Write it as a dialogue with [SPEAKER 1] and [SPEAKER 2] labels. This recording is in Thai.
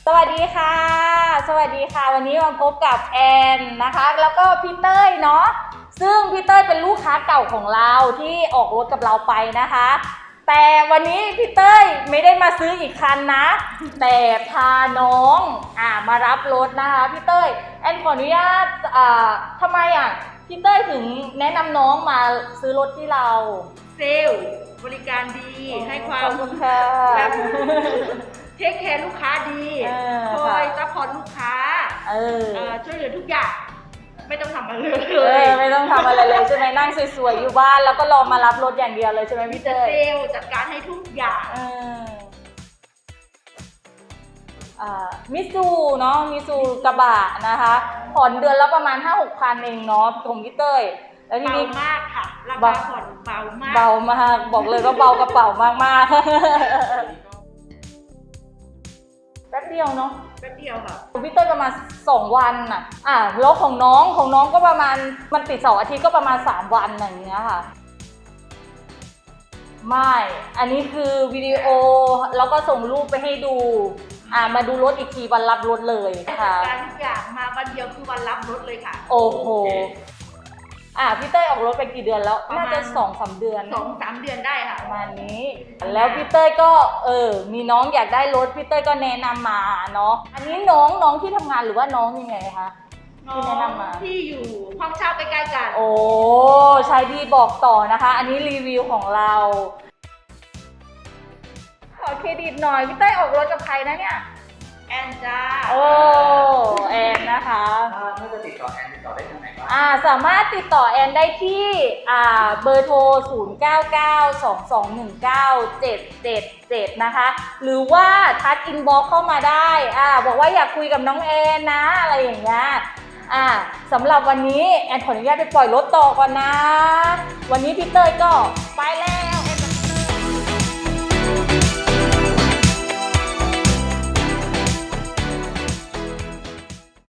[SPEAKER 1] วัสดีค่ะสวัสดีค่ะวันนี้มาพบกับแอนนะคะแล้วก็พี่เต้ยเนาะซึ่งพี่เต้ยเป็นลูกค้าเก่าของเราที่ออกรถกับเราไปนะคะแต่วันนี้พี่เต้ยไม่ได้มาซื้ออีกคันนะแต่พาน้องมารับรถนะคะพี่เต้ยแอนขออนุญาตทำไมพี่เต้ยถึงแนะนำน้องมาซื้อรถที่เรา
[SPEAKER 2] เซลล์บริการดีให้ความแบบเทคแคร์ลูกค้าดีคอยซัพพอร์ตลูกค้าช่วยเหลือทุกอย่างไม่ต้องทำอะไรเลย
[SPEAKER 1] ไม่ต้องทำอะไรเลยใช่ไหมนั่งสวยๆอยู่บ้านแล้วก็รอมารับรถอย่างเดียวเลยใช่ไหมพี่เต้ย
[SPEAKER 2] เซลล์จัดการให้ทุกอย่าง
[SPEAKER 1] มิซูเนาะมิซูกระบะนะคะผ่อนเดือนละประมาณ 5-6 พันเองเนาะของพี่เต้ยแล้วทีนี้
[SPEAKER 2] เบามากค่ะราคาผ่อนเบามาก
[SPEAKER 1] บอกเลยว่าเบากระเป๋ามากๆแป๊บเดียวเนาะ
[SPEAKER 2] แป๊บเดียวค่ะ
[SPEAKER 1] พี่เต้ยประมาณ2 วันแล้วของน้องก็ประมาณมันติด2 อาทิตย์ก็ประมาณ3 วันอย่างเงี้ยค่ะไม่อันนี้คือวิดีโอแล้วก็ส่งรูปไปให้ดูมาดูรถอีกทีวันรับรถเลยค่ะ
[SPEAKER 2] การทุกอย่างมาวันเดียวคือวันรับรถเลยค่ะ
[SPEAKER 1] โอ้โหพี่เต้ยออกรถไปกี่เดือนแล้วน่าจะ2-3 เดือน
[SPEAKER 2] 2-3 เดือนได้ค่ะ
[SPEAKER 1] ประมาณนี้แล้วพี่เต้ยก็มีน้องอยากได้รถพี่เต้ยก็แนะนำมาเนาะอันนี้น้องที่ทำงานหรือว่าน้องยังไงคะ
[SPEAKER 2] ที่แนะนำมาที่อยู่ห้องเช่าใกล้ๆกัน
[SPEAKER 1] โอ้ใช่ดีบอกต่อนะคะอันนี้รีวิวของเราขอเครดิตหน่อยพี่เต้ยออกรถกับใครนะเนี่ย
[SPEAKER 2] แอนจ้า
[SPEAKER 1] แอนนะคะ
[SPEAKER 3] ถ้าจะติดต่อแอนติดต่อได้ทางไหนบ้าง
[SPEAKER 1] สามารถติดต่อแอนได้ที่เบอร์โทร 0992219777 นะคะหรือว่าทักอินบ็อกซ์เข้ามาได้บอกว่าอยากคุยกับน้องแอนนะอะไรอย่างเงี้ยสำหรับวันนี้แอนขออนุญาตไปปล่อยรถต่อก่อนนะวันนี้พี่เต้ยก็ไปแล้ว